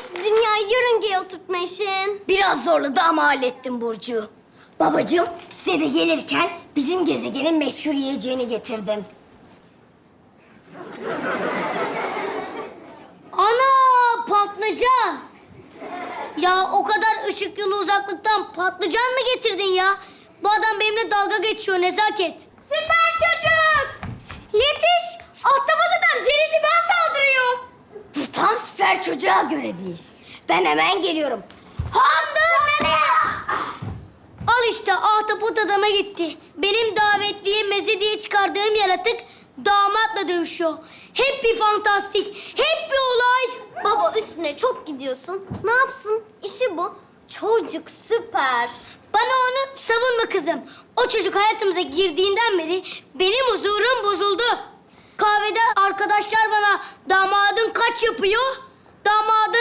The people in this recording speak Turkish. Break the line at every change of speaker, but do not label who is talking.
şu dünyayı yörüngeye oturtma işin?
Biraz zorladı ama hallettim Burcu. Babacığım, size de gelirken bizim gezegenin meşhur yiyeceğini getirdim.
Ana patlıcan. Ya o kadar ışık yılı uzaklıktan patlıcan mı getirdin ya? Bu adam benimle dalga geçiyor Nezaket.
Süper çocuk! Yetiş! Ahtapot adam Ceniz'i bana saldırıyor.
Bu tam süper çocuğa göre bir iş. Ben hemen geliyorum.
Handır nereye? Al işte ahtapot adama gitti. Benim davetliye meze diye çıkardığım yaratık damatla dövüşüyor. Hep bir fantastik, hep bir olay.
Baba üstüne çok gidiyorsun. Ne yapsın? İşi bu. Çocuk süper.
Bana onu savunma kızım. O çocuk hayatımıza girdiğinden beri benim huzurum bozuldu. Kahvede arkadaşlar bana damadın kaç yapıyor? Damadın